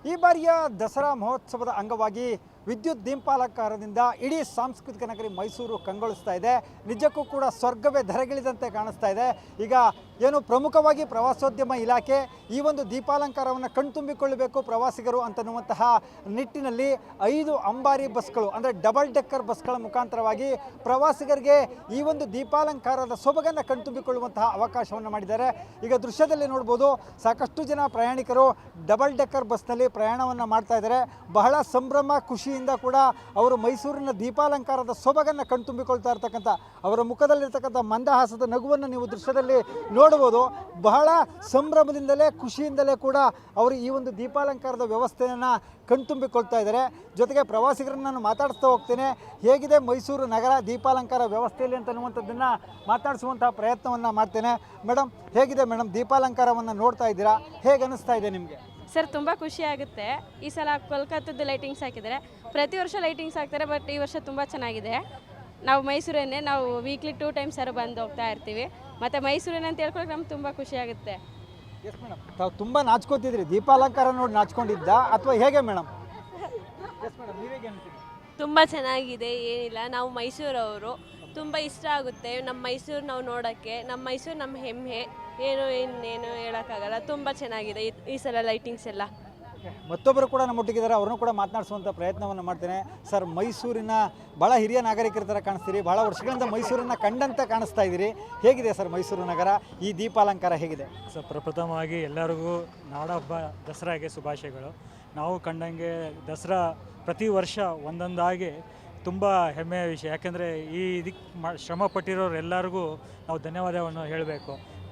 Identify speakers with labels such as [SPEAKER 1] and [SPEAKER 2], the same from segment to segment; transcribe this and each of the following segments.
[SPEAKER 1] ಈ ಬಾರಿಯ ದಸರಾ ಮಹೋತ್ಸವದ ಅಂಗವಾಗಿ ವಿದ್ಯುತ್ ದೀಪಾಲಂಕಾರದಿಂದ ಇಡೀ ಸಾಂಸ್ಕೃತಿಕ ನಗರಿ ಮೈಸೂರು ಕಂಗೊಳಿಸ್ತಾ ಇದೆ. ನಿಜಕ್ಕೂ ಕೂಡ ಸ್ವರ್ಗವೇ ಧರೆಗಿಳಿದಂತೆ ಕಾಣಿಸ್ತಾ ಇದೆ. ಈಗ ಏನು ಪ್ರಮುಖವಾಗಿ ಪ್ರವಾಸೋದ್ಯಮ ಇಲಾಖೆ ಈ ಒಂದು ದೀಪಾಲಂಕಾರವನ್ನು ಕಣ್ತುಂಬಿಕೊಳ್ಳಬೇಕು ಪ್ರವಾಸಿಗರು ಅಂತನ್ನುವಂತಹ ನಿಟ್ಟಿನಲ್ಲಿ 5 ಅಂಬಾರಿ ಬಸ್ಗಳು ಅಂದರೆ ಡಬಲ್ ಡೆಕ್ಕರ್ ಬಸ್ಗಳ ಮುಖಾಂತರವಾಗಿ ಪ್ರವಾಸಿಗರಿಗೆ ಈ ಒಂದು ದೀಪಾಲಂಕಾರದ ಸೊಬಗನ್ನು ಕಣ್ತುಂಬಿಕೊಳ್ಳುವಂತಹ ಅವಕಾಶವನ್ನು ಮಾಡಿದ್ದಾರೆ. ಈಗ ದೃಶ್ಯದಲ್ಲಿ ನೋಡ್ಬೋದು, ಸಾಕಷ್ಟು ಜನ ಪ್ರಯಾಣಿಕರು ಡಬಲ್ ಡೆಕ್ಕರ್ ಬಸ್ನಲ್ಲಿ ಪ್ರಯಾಣವನ್ನು ಮಾಡ್ತಾ ಇದ್ದಾರೆ. ಬಹಳ ಸಂಭ್ರಮ ಖುಷಿಯಿಂದ ಕೂಡ ಅವರು ಮೈಸೂರಿನ ದೀಪಾಲಂಕಾರದ ಸೊಬಗನ್ನು ಕಣ್ತುಂಬಿಕೊಳ್ತಾ ಇರ್ತಕ್ಕಂಥ ಅವರ ಮುಖದಲ್ಲಿರ್ತಕ್ಕಂಥ ಮಂದಹಾಸದ ನಗುವನ್ನು ನೀವು ದೃಶ್ಯದಲ್ಲಿ ನೋಡ್ಬೋದು. ಬಹಳ ಸಂಭ್ರಮದಿಂದಲೇ ಖುಷಿಯಿಂದಲೇ ಕೂಡ ಅವರು ಈ ಒಂದು ದೀಪಾಲಂಕಾರದ ವ್ಯವಸ್ಥೆಯನ್ನು ಕಣ್ತುಂಬಿಕೊಳ್ತಾ ಇದ್ದಾರೆ. ಜೊತೆಗೆ ಪ್ರವಾಸಿಗರನ್ನು ನಾನು ಮಾತಾಡಿಸ್ತಾ ಹೋಗ್ತೇನೆ, ಹೇಗಿದೆ ಮೈಸೂರು ನಗರ ದೀಪಾಲಂಕಾರ ವ್ಯವಸ್ಥೆಯಲ್ಲಿ ಅಂತನ್ನುವಂಥದ್ದನ್ನು ಮಾತಾಡಿಸುವಂತಹ ಪ್ರಯತ್ನವನ್ನು ಮಾಡ್ತೇನೆ. ಮೇಡಮ್, ಹೇಗಿದೆ ಮೇಡಮ್ ದೀಪಾಲಂಕಾರವನ್ನು ನೋಡ್ತಾ ಇದ್ದೀರಾ, ಹೇಗೆ ಅನ್ನಿಸ್ತಾ ಇದೆ ನಿಮಗೆ?
[SPEAKER 2] ಸರ್ ತುಂಬ ಖುಷಿ ಆಗುತ್ತೆ. ಈ ಸಲ ಕೋಲ್ಕತ್ತದ ಲೈಟಿಂಗ್ಸ್ ಹಾಕಿದ್ದಾರೆ. ಪ್ರತಿ ವರ್ಷ ಲೈಟಿಂಗ್ಸ್ ಹಾಕ್ತಾರೆ, ಬಟ್ ಈ ವರ್ಷ ತುಂಬ ಚೆನ್ನಾಗಿದೆ. ನಾವು ಮೈಸೂರನ್ನೇ ನಾವು ವೀಕ್ಲಿ 2 ಟೈಮ್ಸ್ ಬಂದು ಹೋಗ್ತಾ ಇರ್ತೀವಿ. ಮತ್ತು ಮೈಸೂರನ್ನ ಅಂತ ಹೇಳ್ಕೊಳಕ್ಕೆ ನಮ್ಗೆ ತುಂಬ ಖುಷಿ ಆಗುತ್ತೆ.
[SPEAKER 1] ಎಸ್ ಮೇಡಮ್, ತಾವು ತುಂಬ ನಾಚ್ಕೋತಿದ್ರಿ, ದೀಪಾಲಂಕಾರ ನೋಡಿ ನಾಚ್ಕೊಂಡಿದ್ದ ಅಥವಾ ಹೇಗೆ ಮೇಡಮ್? ಎಸ್ ಮೇಡಮ್, ನೀವೇಗೆ ಅನ್ಸುತ್ತೆ?
[SPEAKER 3] ತುಂಬ ಚೆನ್ನಾಗಿದೆ, ಏನಿಲ್ಲ. ನಾವು ಮೈಸೂರವರು, ತುಂಬ ಇಷ್ಟ ಆಗುತ್ತೆ ನಮ್ಮ ಮೈಸೂರು ನಾವು ನೋಡೋಕ್ಕೆ. ನಮ್ಮ ಮೈಸೂರು ನಮ್ಮ ಹೆಮ್ಮೆ, ಇನ್ನೇನು ಹೇಳೋಕ್ಕಾಗಲ್ಲ. ತುಂಬ ಚೆನ್ನಾಗಿದೆ ಈ ಸಲ ಲೈಟಿಂಗ್ಸ್ ಎಲ್ಲ.
[SPEAKER 1] ಮತ್ತೊಬ್ಬರು ಕೂಡ ನಮ್ಮೊಟ್ಟಿಗಿದ್ದಾರೆ, ಅವ್ರನ್ನೂ ಕೂಡ ಮಾತನಾಡಿಸುವಂಥ ಪ್ರಯತ್ನವನ್ನು ಮಾಡ್ತೇನೆ. ಸರ್, ಮೈಸೂರಿನ ಭಾಳ ಹಿರಿಯ ನಾಗರಿಕರ ಥರ ಕಾಣಿಸ್ತೀರಿ, ಭಾಳ ವರ್ಷಗಳಿಂದ ಮೈಸೂರನ್ನು ಕಂಡಂತೆ ಕಾಣಿಸ್ತಾ ಇದ್ದೀರಿ. ಹೇಗಿದೆ ಸರ್ ಮೈಸೂರು ನಗರ, ಈ ದೀಪಾಲಂಕಾರ ಹೇಗಿದೆ?
[SPEAKER 4] ಸರ್, ಪ್ರಪ್ರಥಮವಾಗಿ ಎಲ್ಲರಿಗೂ ನಾಡಹಬ್ಬ ದಸರಾಗೆ ಶುಭಾಶಯಗಳು. ನಾವು ಕಂಡಂಗೆ ದಸರಾ ಪ್ರತಿ ವರ್ಷ ಒಂದೊಂದಾಗಿ ತುಂಬ ಹೆಮ್ಮೆಯ ವಿಷಯ. ಯಾಕೆಂದರೆ ಈ ಇದಕ್ಕೆ ಶ್ರಮ ಪಟ್ಟಿರೋರೆಲ್ಲರಿಗೂ ನಾವು ಧನ್ಯವಾದವನ್ನು ಹೇಳಬೇಕು.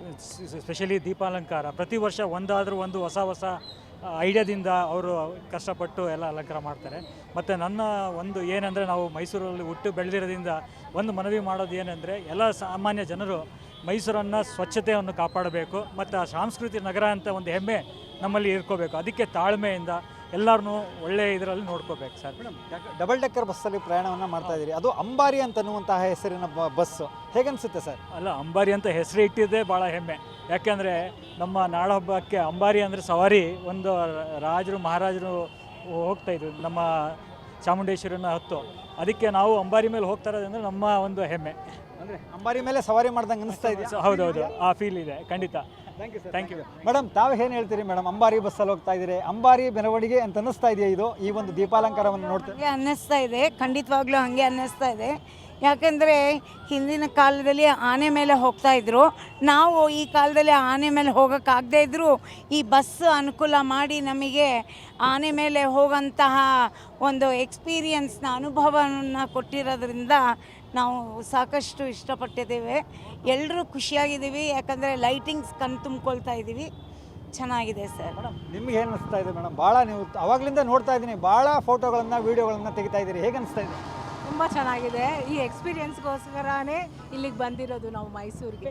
[SPEAKER 4] ಸ್ಪೆಷಲಿ ದೀಪಾಲಂಕಾರ ಪ್ರತಿ ವರ್ಷ ಒಂದಾದರೂ ಒಂದು ಹೊಸ ಐಡಿಯಾದಿಂದ ಅವರು ಕಷ್ಟಪಟ್ಟು ಎಲ್ಲ ಅಲಂಕಾರ ಮಾಡ್ತಾರೆ. ಮತ್ತು ನನ್ನ ಒಂದು ಏನಂದರೆ, ನಾವು ಮೈಸೂರಲ್ಲಿ ಹುಟ್ಟು ಬೆಳೆದಿರೋದ್ರಿಂದ ಒಂದು ಮನವಿ ಮಾಡೋದು ಏನಂದರೆ, ಎಲ್ಲ ಸಾಮಾನ್ಯ ಜನರು ಮೈಸೂರನ್ನು ಸ್ವಚ್ಛತೆಯನ್ನು ಕಾಪಾಡಬೇಕು ಮತ್ತು ಆ ಸಾಂಸ್ಕೃತಿಕ ನಗರ ಅಂತ ಒಂದು ಹೆಮ್ಮೆ ನಮ್ಮಲ್ಲಿ ಇರ್ಕೋಬೇಕು. ಅದಕ್ಕೆ ತಾಳ್ಮೆಯಿಂದ ಎಲ್ಲರನ್ನೂ ಒಳ್ಳೆಯ ಇದರಲ್ಲಿ ನೋಡ್ಕೋಬೇಕು ಸರ್.
[SPEAKER 1] ಮೇಡಮ್, ಡಬಲ್ ಡೆಕ್ಕರ್ ಬಸ್ಸಲ್ಲಿ ಪ್ರಯಾಣವನ್ನು ಮಾಡ್ತಾ ಇದ್ದೀರಿ, ಅದು ಅಂಬಾರಿ ಅಂತನ್ನುವಂತಹ ಹೆಸರಿನ ಬಸ್ಸು, ಹೇಗನ್ಸುತ್ತೆ ಸರ್?
[SPEAKER 4] ಅಲ್ಲ, ಅಂಬಾರಿ ಅಂತ ಹೆಸರು ಇಟ್ಟಿದ್ದೇ ಭಾಳ ಹೆಮ್ಮೆ. ಯಾಕೆಂದರೆ ನಮ್ಮ ನಾಡಹಬ್ಬಕ್ಕೆ ಅಂಬಾರಿ ಅಂದರೆ ಸವಾರಿ, ಒಂದು ರಾಜರು ಮಹಾರಾಜರು ಹೋಗ್ತಾಯಿದ್ರು ನಮ್ಮ ಚಾಮುಂಡೇಶ್ವರಿನ ಹೊತ್ತು. ಅದಕ್ಕೆ ನಾವು ಅಂಬಾರಿ ಮೇಲೆ ಹೋಗ್ತಾ ಇರೋದಂದರೆ ನಮ್ಮ ಒಂದು ಹೆಮ್ಮೆ.
[SPEAKER 1] ಅಂದರೆ ಅಂಬಾರಿ ಮೇಲೆ ಸವಾರಿ ಮಾಡ್ದಂಗೆ ಅನಿಸ್ತಾ ಇದೆ.
[SPEAKER 4] ಹೌದೌದು, ಆ ಫೀಲ್ ಇದೆ ಖಂಡಿತ. ಥ್ಯಾಂಕ್ ಯು
[SPEAKER 1] ಮೇಡಮ್, ತಾವು ಏನು ಹೇಳ್ತೀರಿ ಮೇಡಮ್? ಅಂಬಾರಿ ಬಸ್ಸಲ್ಲಿ ಹೋಗ್ತಾ ಇದ್ದೀರಿ, ಅಂಬಾರಿ ಮೆರವಣಿಗೆ ಅಂತ ಅನ್ನಿಸ್ತಾ ಇದೆಯಾ ಇದು, ಈ ಒಂದು ದೀಪಾಲಂಕಾರವನ್ನು ನೋಡ್ತೀವಿ?
[SPEAKER 5] ಹಾಗೆ ಅನ್ನಿಸ್ತಾ ಇದೆ, ಖಂಡಿತವಾಗ್ಲೂ ಹಾಗೆ ಅನ್ನಿಸ್ತಾ ಇದೆ. ಯಾಕೆಂದರೆ ಹಿಂದಿನ ಕಾಲದಲ್ಲಿ ಆನೆ ಮೇಲೆ ಹೋಗ್ತಾ ಇದ್ರು, ನಾವು ಈ ಕಾಲದಲ್ಲಿ ಆನೆ ಮೇಲೆ ಹೋಗೋಕ್ಕಾಗದೇ ಇದ್ದರೂ ಈ ಬಸ್ ಅನುಕೂಲ ಮಾಡಿ ನಮಗೆ ಆನೆ ಮೇಲೆ ಹೋಗೋಂತಹ ಒಂದು ಎಕ್ಸ್ಪೀರಿಯನ್ಸ್ನ ಅನುಭವವನ್ನು ಕೊಟ್ಟಿರೋದ್ರಿಂದ ನಾವು ಸಾಕಷ್ಟು ಇಷ್ಟಪಟ್ಟಿದ್ದೇವೆ. ಎಲ್ಲರೂ ಖುಷಿಯಾಗಿದ್ದೀವಿ, ಯಾಕಂದರೆ ಲೈಟಿಂಗ್ಸ್ ಕಣ್ ತುಂಬಿಕೊಳ್ತಾ ಇದ್ದೀವಿ. ಚೆನ್ನಾಗಿದೆ ಸರ್.
[SPEAKER 1] ಮೇಡಮ್, ನಿಮ್ಗೆ ಏನು ಅನಿಸ್ತಾ ಇದೆ ಮೇಡಮ್? ಭಾಳ ನೀವು ಅವಾಗಲಿಂದ ನೋಡ್ತಾ ಇದ್ದೀನಿ, ಭಾಳ ಫೋಟೋಗಳನ್ನು ವೀಡಿಯೋಗಳನ್ನು ತೆಗಿತಾ ಇದ್ದೀರಿ, ಹೇಗೆ ಅನಿಸ್ತಾ ಇದೆ?
[SPEAKER 6] ತುಂಬ ಚೆನ್ನಾಗಿದೆ. ಈ ಎಕ್ಸ್ಪೀರಿಯನ್ಸ್ಗೋಸ್ಕರನೇ ಇಲ್ಲಿಗೆ ಬಂದಿರೋದು ನಾವು ಮೈಸೂರಿಗೆ.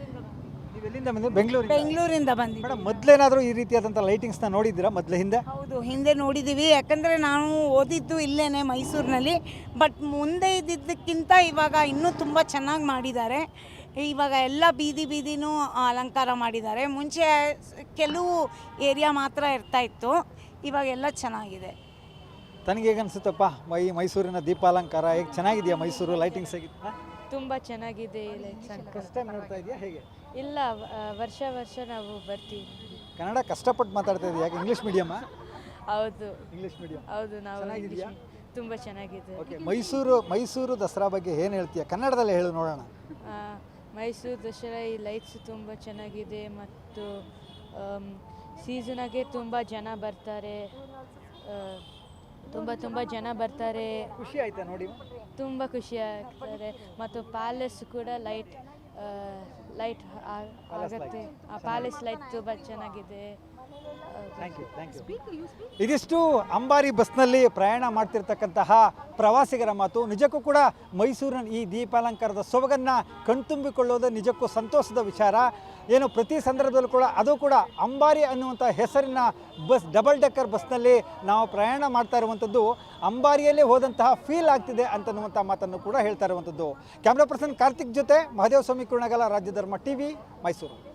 [SPEAKER 1] ನೀವು ಎಲ್ಲಿಂದ ಬಂದಿದ್ದು?
[SPEAKER 5] ಬೆಂಗಳೂರಿಂದ ಬಂದಿದ್ದೀವಿ.
[SPEAKER 1] ಮೇಡಮ್, ಮೊದಲೇನಾದರೂ ಈ ರೀತಿಯಾದಂಥ ಲೈಟಿಂಗ್ಸ್ನ ನೋಡಿದ್ದೀರಾ ಹಿಂದೆ?
[SPEAKER 5] ಹೌದು, ಹಿಂದೆ ನೋಡಿದ್ದೀವಿ. ಯಾಕಂದರೆ ನಾನು ಓದಿದ್ದು ಇಲ್ಲೇ ಮೈಸೂರಿನಲ್ಲಿ. ಬಟ್ ಮುಂದೆ ಇದ್ದಿದ್ದಕ್ಕಿಂತ ಇವಾಗ ಇನ್ನೂ ತುಂಬ ಚೆನ್ನಾಗಿ ಮಾಡಿದ್ದಾರೆ. ಇವಾಗ ಎಲ್ಲ ಬೀದಿನೂ ಅಲಂಕಾರ ಮಾಡಿದ್ದಾರೆ. ಮುಂಚೆ ಕೆಲವು ಏರಿಯಾ ಮಾತ್ರ ಇರ್ತಾಯಿತ್ತು, ಇವಾಗೆಲ್ಲ ಚೆನ್ನಾಗಿದೆ.
[SPEAKER 1] ತನಗೆ ಹೇಗೆ ಅನಿಸುತ್ತಪ್ಪ ಈ ಮೈಸೂರಿನ ದೀಪಾಲಂಕಾರ? ಹೇಗೆ ಚೆನ್ನಾಗಿದೆಯಾ ಮೈಸೂರು ಲೈಟಿಂಗ್ಸ್? ಹೇಗಿತ್ತು?
[SPEAKER 2] ತುಂಬ ಚೆನ್ನಾಗಿದೆ.
[SPEAKER 1] ಫಸ್ಟ್ ಟೈಮ್ ನೋಡ್ತಾ ಇದೆಯಾ ಹೇಗೆ?
[SPEAKER 2] ಇಲ್ಲ, ವರ್ಷ ನಾವು ಬರ್ತೀವಿ.
[SPEAKER 1] ಕನ್ನಡ ಕಷ್ಟಪಟ್ಟು ಮಾತಾಡ್ತಾ ಇದೆಯಾ? ಯಾಕೆ ಇಂಗ್ಲೀಷ್ ಮೀಡಿಯಮ್ಮಾ?
[SPEAKER 2] ಹೌದು,
[SPEAKER 1] ಇಂಗ್ಲೀಷ್ ಮೀಡಿಯಂ.
[SPEAKER 2] ಹೌದು. ನಾವು
[SPEAKER 1] ಚೆನ್ನಾಗಿದೆಯಾ?
[SPEAKER 2] ತುಂಬ ಚೆನ್ನಾಗಿದೆ.
[SPEAKER 1] ಓಕೆ, ಮೈಸೂರು ದಸರಾ ಬಗ್ಗೆ ಏನು ಹೇಳ್ತೀಯಾ? ಕನ್ನಡದಲ್ಲೇ ಹೇಳು ನೋಡೋಣ.
[SPEAKER 2] ಮೈಸೂರು ದಸರಾ ಈ ಲೈಟ್ಸ್ ತುಂಬ ಚೆನ್ನಾಗಿದೆ ಮತ್ತು ಸೀಸನಾಗೆ ತುಂಬ ಜನ ಬರ್ತಾರೆ. ತುಂಬ ಜನ ಬರ್ತಾರೆ.
[SPEAKER 1] ಖುಷಿ ಆಯ್ತಾ ನೋಡಿ?
[SPEAKER 2] ತುಂಬ ಖುಷಿ ಆಗ್ತಾರೆ. ಮತ್ತು ಪ್ಯಾಲೇಸ್ ಕೂಡ ಲೈಟ್ ಆಗುತ್ತೆ. ಆ ಪ್ಯಾಲೇಸ್ ಲೈಟ್ ತುಂಬ ಚೆನ್ನಾಗಿದೆ.
[SPEAKER 1] ಇದಿಷ್ಟು ಅಂಬಾರಿ ಬಸ್ನಲ್ಲಿ ಪ್ರಯಾಣ ಮಾಡ್ತಿರ್ತಕ್ಕಂತಹ ಪ್ರವಾಸಿಗರ ಮಾತು. ನಿಜಕ್ಕೂ ಕೂಡ ಮೈಸೂರಿನ ಈ ದೀಪಾಲಂಕಾರದ ಸೊಬಗನ್ನು ಕಣ್ತುಂಬಿಕೊಳ್ಳೋದು ನಿಜಕ್ಕೂ ಸಂತೋಷದ ವಿಚಾರ. ಏನು ಪ್ರತಿ ಸಂದರ್ಭದಲ್ಲೂ ಕೂಡ ಅದು ಕೂಡ ಅಂಬಾರಿ ಅನ್ನುವಂಥ ಹೆಸರಿನ ಬಸ್, ಡಬಲ್ ಡೆಕ್ಕರ್ ಬಸ್ನಲ್ಲಿ ನಾವು ಪ್ರಯಾಣ ಮಾಡ್ತಾ ಇರುವಂಥದ್ದು ಅಂಬಾರಿಯಲ್ಲೇ ಹೋದಂತಹ ಫೀಲ್ ಆಗ್ತಿದೆ ಅಂತನ್ನುವಂಥ ಮಾತನ್ನು ಕೂಡ ಹೇಳ್ತಾ ಇರುವಂಥದ್ದು. ಕ್ಯಾಮ್ರಾ ಪರ್ಸನ್ ಕಾರ್ತಿಕ್ ಜೊತೆ ಮಹದೇವ ಸ್ವಾಮಿ ಕುರುಣಗಲ, ರಾಜ್ಯ ಧರ್ಮ ಟಿವಿ, ಮೈಸೂರು.